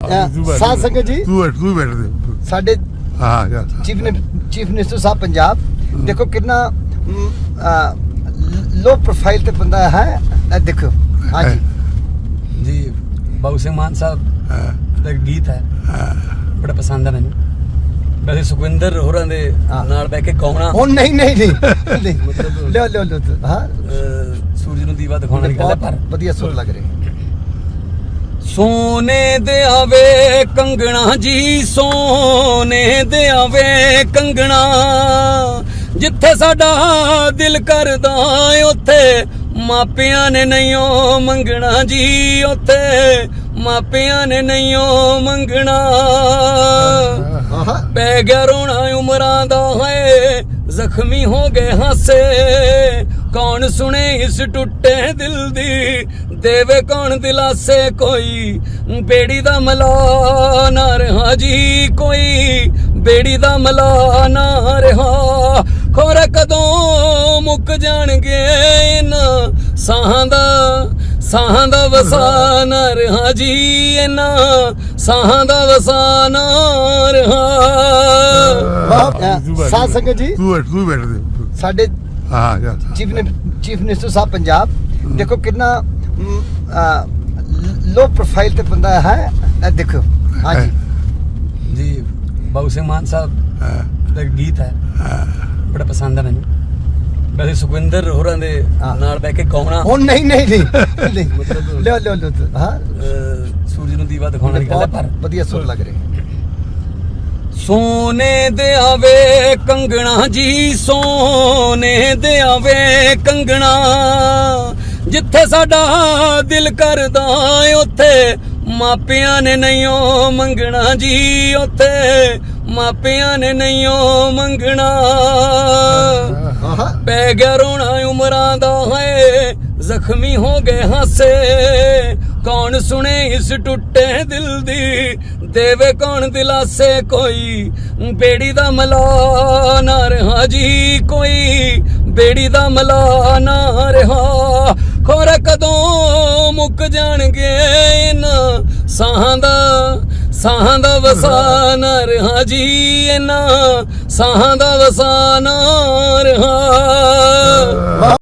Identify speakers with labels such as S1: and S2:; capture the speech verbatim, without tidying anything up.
S1: ਸਾਧ ਸੰਗਤ ਜੀ
S2: ਤੂੰ ਬੈਠ ਤੂੰ ਬੈਠ ਦੇ
S1: ਸਾਡੇ
S2: ਹਾਂ ਯਾਰ
S1: chief chief minister sahib Punjab ਦੇਖੋ ਕਿੰਨਾ लो प्रोफाइल ਤੇ ਬੰਦਾ ਹੈ ਦੇਖੋ ਹਾਂਜੀ
S3: जी बाबू सिंह मान साहब ਦਾ ਗੀਤ ਹੈ ਬੜਾ ਪਸੰਦ ਹੈ ਮੈਨੂੰ ਵੈਸੇ ਸੁਖਵਿੰਦਰ ਹੋਰਾਂ ਦੇ ਨਾਲ ਬਹਿ ਕੇ ਕੌਣਾ
S1: ਹੁਣ ਨਹੀਂ ਨਹੀਂ ਨਹੀਂ ਮਤਲਬ ਲਿਓ ਲਿਓ ਲਿਓ ਹਾਂ
S3: ਸੂਰਜ ਨੂੰ ਦੀਵਾ ਦਿਖਾਉਣ ਵਾਲੀ ਗੱਲ ਹੈ ਪਰ
S1: ਵਧੀਆ ਸੁਰ ਲੱਗ ਰਹੀ
S3: ਸੋਨੇ ਦੇ ਆਵੇ ਕੰਗਣਾ ਜੀ ਸੋਨੇ ਦੇ ਆਵੇ ਕੰਗਣਾ ਜਿੱਥੇ ਸਾਡਾ ਦਿਲ ਕਰਦਾ ਉੱਥੇ ਮਾਪਿਆਂ ਨੇ ਨਹੀਂਓ ਮੰਗਣਾ ਜੀ ਉੱਥੇ ਮਾਪਿਆਂ ਨੇ ਨਹੀਂਓ ਮੰਗਣਾ ਪੈ ਗਿਆ ਰੋਣਾ ਉਮਰਾਂ ਦਾ ਹੈ ਜ਼ਖਮੀ ਹੋ ਗਏ ਹਾਸੇ ਕੌਣ ਸੁਣੇ ਇਸ ਟੁੱਟੇ ਦਿਲ ਦੀ ਦੇਵੇ ਕੌਣ ਦਿਲਾਸੇ ਕੋਈ ਬੇੜੀ ਦਾ ਮਲਾ ਨਾ ਰਹਾ ਜੀ ਕੋਈ ਬੇੜੀ ਦਾ ਮਲਾ ਨਾ ਰਹਾ ਖੋਰ ਕਦੋਂ ਮੁੱਕ ਜਾਣਗੇ ਇਹਨਾਂ ਸਾਹਾਂ ਦਾ ਸਾਹਾਂ ਦਾ ਵਸਾਨ ਰਹਾ ਜੀ ਇਹਨਾਂ ਸਾਹਾਂ ਦਾ ਵਸਾਨ ਰਹਾ
S1: ਸਾਧ ਸੰਗਤ ਜੀ
S2: ਤੂੰ ਬੈਠ ਤੂੰ ਬੈਠ ਦੇ
S1: ਸਾਡੇ
S2: ਹਾਂ ਯਾਰ
S1: chief chief minister sahib Punjab ਦੇਖੋ ਕਿੰਨਾ लो प्रोफाइल ਤੇ ਬੰਦਾ ਹੈ ਦੇਖੋ ਹਾਂਜੀ
S3: ਜੀ ਬਾਬੂ ਸਿੰਘ ਮਾਨ ਸਾਹਿਬ ਦਾ ਗੀਤ ਹੈ ਬੜਾ ਪਸੰਦ ਹੈ ਮੈਨੂੰ ਵੈਸੇ ਸੁਖਵਿੰਦਰ ਹੋਰਾਂ ਦੇ ਨਾਲ ਬਹਿ ਕੇ ਕੌਣਾ
S1: ਹੁਣ ਨਹੀਂ ਨਹੀਂ ਨਹੀਂ ਮਤਲਬ ਲਿਓ ਲਿਓ ਲਿਓ ਹਾਂ
S3: ਸੂਰਜ ਨੂੰ ਦੀਵਾ ਦਿਖਾਉਣ ਵਾਲੀ ਗੱਲ ਹੈ ਪਰ
S1: ਵਧੀਆ ਸੁਰ ਲੱਗ ਰਹੀ
S3: ਸੋਨੇ ਦੇ ਆਵੇ ਕੰਗਣਾ ਜੀ ਸੋਨੇ ਦੇ ਆਵੇ ਕੰਗਣਾ ਜਿੱਥੇ ਸਾਡਾ ਦਿਲ ਕਰਦਾ ਉੱਥੇ ਮਾਪਿਆਂ ਨੇ ਨਹੀਂਓ ਮੰਗਣਾ ਜੀ ਉੱਥੇ ਮਾਪਿਆਂ ਨੇ ਨਹੀਂਓ ਮੰਗਣਾ ਪੈ ਗਿਆ ਰੋਣਾ ਉਮਰਾਂ ਦਾ ਹੈ ਜ਼ਖਮੀ ਹੋ ਗਏ ਹਾਸੇ ਕੌਣ ਸੁਣੇ ਇਸ ਟੁੱਟੇ ਦਿਲ ਦੀ ਦੇਵੇ ਕੌਣ ਦਿਲਾਸੇ ਕੋਈ ਬੇੜੀ ਦਾ ਮਲਾ ਨਾ ਰਹਾ ਜੀ ਕੋਈ ਬੇੜੀ ਦਾ ਮਲਾ ਨਾ ਰਹਾ ਖੋਰ ਕਦੋਂ ਮੁੱਕ ਜਾਣਗੇ ਇਹਨਾਂ ਸਾਹਾਂ ਦਾ ਸਾਹਾਂ ਦਾ ਵਸਾਨ ਰਹਾ ਜੀ ਇਹਨਾਂ ਸਾਹਾਂ ਦਾ ਵਸਾਨ ਰਹਾ